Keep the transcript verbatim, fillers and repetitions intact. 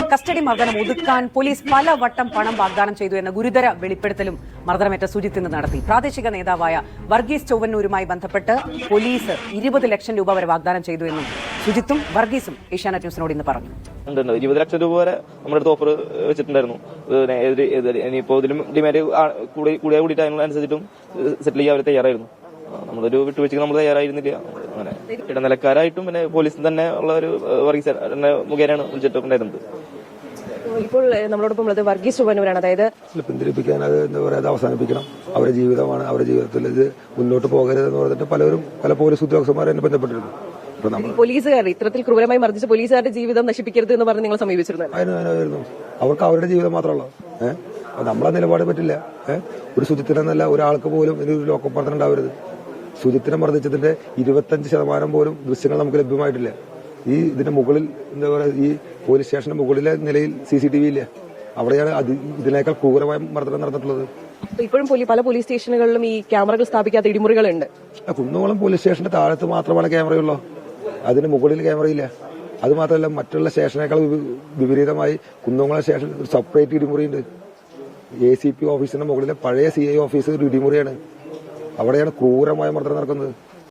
Custody മർദ്ദനം ഒതുക്കാൻ police പലവട്ടം പണം വാഗ്ദാനം ചെയ്തു എന്ന ഗുരുതര വെളിപ്പെടുത്തലും മർദ്ദനമേറ്റ സുജിത്ത് ഇന്ന് നടത്തി. പ്രാദേശിക നേതാവായ വർഗീസ് ചൊവ്വന്നൂരുമായി ബന്ധപ്പെട്ട് പോലീസ് ഇരുപത് ലക്ഷം രൂപ വരെ വാഗ്ദാനം ചെയ്തു എന്നും സുജിത്തും വർഗീസും ഏഷ്യാനെറ്റ് ന്യൂസിനോട് ഇന്ന് പറഞ്ഞു. ഇരുപത് ലക്ഷം രൂപ വരെ നമ്മുടെ അടുത്ത് ഓഫർ വെച്ചിട്ടുണ്ടായിരുന്നു. ഇനിയിപ്പോ ഇതിലും ഡിമാൻഡ് കൂടിയ കൂടിയിട്ട് അതിനനുസരിച്ചിട്ടും സെറ്റിൽ ചെയ്യാൻ അവർ തയ്യാറായിരുന്നു. നമ്മളൊരു വിട്ടുവീഴ്ചക്ക് നമ്മൾ തയ്യാറായിരുന്നില്ല. അങ്ങനെ ഇടനിലക്കാരായിട്ടും പിന്നെ പോലീസിൽ തന്നെ ഉള്ള ഒരു വർഗീസ് മുഖേനയാണ് വിളിച്ചിട്ടുണ്ടായിരുന്നത്. ഇപ്പോൾ നമ്മളോടൊപ്പം ഉള്ളത് വർഗീസ് ചൊവ്വന്നൂരാണ്. അതായത് പിന്തിരിപ്പിക്കാൻ അത് എന്താ പറയുക, അത് അവസാനിപ്പിക്കണം. അവരുടെ ജീവിതമാണ്, അവരുടെ ജീവിതത്തിൽ ഇത് മുന്നോട്ട് പോകരുതെന്ന് പറഞ്ഞിട്ട് പലരും പല പോലീസ് ഉദ്യോഗസ്ഥന്മാരെ എന്നെ ബന്ധപ്പെട്ടിരുന്നു. പോലീസുകാർ ഇത്തരത്തിൽ ക്രൂരമായി മർദ്ദിച്ച പോലീസുകാരുടെ ജീവിതം നശിപ്പിക്കരുത് എന്ന് പറഞ്ഞ് നിങ്ങൾ സമീപിച്ചിരുന്നു. അതിനായിരുന്നു അവർക്ക് അവരുടെ ജീവിതം മാത്രമല്ല. ഏഹ് നമ്മളെ നിലപാട് പറ്റില്ല. ഏഹ് ഒരു സുജിത്തിനെന്നല്ല ഒരാൾക്ക് പോലും ഇതിനൊരു ലോക്കപ്പുറത്തിന് ഉണ്ടാവരുത്. സുജിത്തിനെ മർദ്ദിച്ചതിന്റെ ഇരുപത്തഞ്ച് ശതമാനം പോലും ദൃശ്യങ്ങൾ നമുക്ക് ലഭ്യമായിട്ടില്ല. ഈ ഇതിന്റെ മുകളിൽ എന്താ പറയുക, ഈ പോലീസ് സ്റ്റേഷന്റെ മുകളിലെ നിലയിൽ സി സി ടി വി ഇല്ല. അവിടെയാണ് അത് ഇതിനേക്കാൾ ക്രൂരമായ മർദ്ദനം നടന്നിട്ടുള്ളത്. ഇപ്പോഴും പല പോലീസ് സ്റ്റേഷനുകളിലും ഈ ക്യാമറകൾ സ്ഥാപിക്കാത്ത ഇടിമുറികളുണ്ട്. കുന്നംകുളം പോലീസ് സ്റ്റേഷന്റെ താഴത്ത് മാത്രമാണ് ക്യാമറയുള്ളൂ. അതിന് മുകളിൽ ക്യാമറയില്ല. അത് മാത്രമല്ല, മറ്റുള്ള സ്റ്റേഷനേക്കാൾ വിപരീതമായി കുന്നംകുളം സ്റ്റേഷൻ ഒരു സെപ്പറേറ്റ് ഇടിമുറിയുണ്ട്. എ സി പി ഓഫീസിന്റെ മുകളിലെ പഴയ സി ഐ ഓഫീസ് ഒരു ഇടിമുറിയാണ്. അവിടെയാണ് ക്രൂരമായ മർദ്ദനം നടക്കുന്നത്.